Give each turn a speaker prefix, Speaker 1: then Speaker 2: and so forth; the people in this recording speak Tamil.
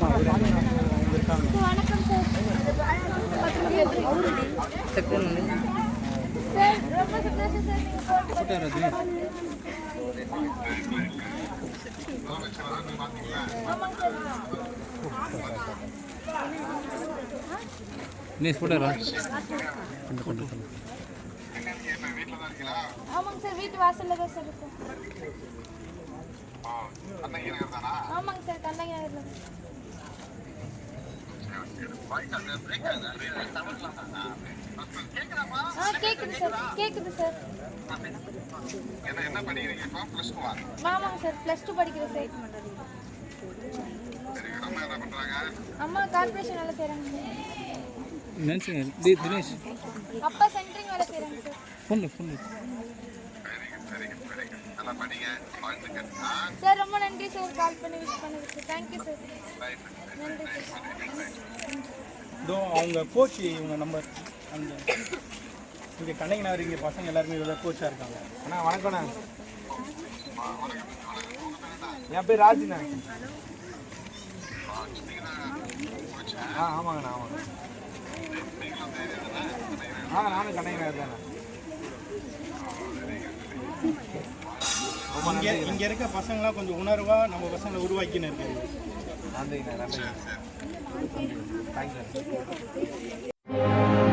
Speaker 1: வணக்கம் சார். ரொம்ப சந்தோஷம் சார். ஆமாங்க சார், வீட்டு வாசல்ல தான் சார் இருக்கும். ஆமாங்க சார், கண்ணகி நகர்ல. கேக்குது சார், கேக்குது சார். ஆமாங்க சார், +2 படிக்கிறேன் சார். அம்மா கார்பரேஷன் வேலை செய்றாங்க சார். தினேஷ் அப்பா சென்ட்ரிங் வேலை செய்றாங்க சார். சார் ரொம்ப நன்றி சார், கால் பண்ணி விஷ் பண்ணதுக்கு. Thank you sir. நன்றி சார்.
Speaker 2: அவங்க கோச் இவங்க நம்பர் அந்த இங்கே கண்ணகி நகர் இங்கே பசங்க எல்லாருமே இவ்வளோ கோச்சாக இருக்காங்க. அண்ணா வணக்கண்ணா, என் பேர் ராஜுண்ணா. ஆமாங்கண்ணா ஆமாங்க. நானும் கண்ணகி நகர் தானே. இங்கே இருக்க பசங்களாம் கொஞ்சம் உணர்வாக நம்ம பசங்களை உருவாக்கின்னு இருக்காங்க. நன்றிங்கண்ணா, நன்றி. தேங்க்யூ.